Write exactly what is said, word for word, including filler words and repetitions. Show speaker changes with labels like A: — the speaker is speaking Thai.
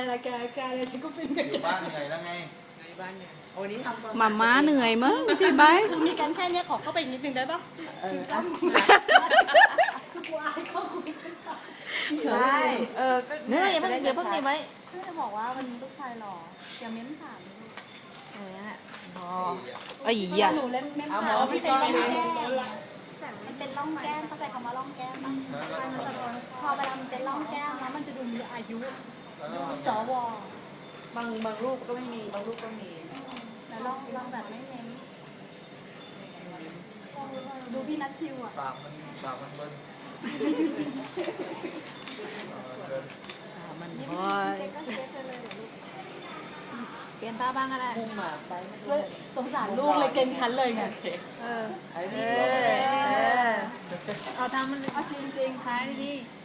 A: ละแกแกเลยฉันก็ฟินกับ
B: อ
A: แก
B: ยู่บ้านเหนื่อยแล้วไง
C: ในบ้านเนี่ยวันนี้ทำความ
D: หมาม้าเหนื่อยมั้งใช่ไหม
A: คือมีกันแค่เนี้ยขอเข้าไปอีกนิดนึงได้ปะ
C: เออ
A: คือกูอายเข้ากูไม่ได้
C: ใช่เออก็
D: เนื้ออย่าเพิ่งเดี๋ยวเพิ่งนี่ไว้
A: เพื่อนจะบอกว่าวันนี้ลูกชายหล่ออย่าเม้มถาม
D: เออนั่นแหละพอไอ้ย
A: อย่า
D: อ่ะ
A: หนูเล่นเม้ม
C: เอาหม
A: ถา
C: อ
A: ม
C: พี่
A: เป็น
C: ก้อง
A: ร่อง
C: เลย
A: แก้มมันเป็นร่องแก้มเข้าใจคำว่าร่องแก้มปะพอเวลามันเป็นร่องแก้มแล้วมันจะดูมีอายุสว
C: บางบางรูปก็ไม่มีบางรูปก็มี
A: แล้วร่องร่องแบบไม่เม้มดูพี่นัททิวอ่ะ
B: ปากมันปากมันเบิ้ล
D: มัน
A: ยิ้ม
D: พอ
A: เจ๊ก็เจ๊เลยลูก
D: เปลี่ยนตาบ้างก็ได้
C: พุ่งมาไปไม่รู้
A: สงสารลูกเลยเก่งชั้นเลยไง
D: เออ
C: ไอ้
D: เอ
C: นี่
D: อเออเอาทำมัน
A: เอาจริงจริง
D: ท้ายดี
A: ๆ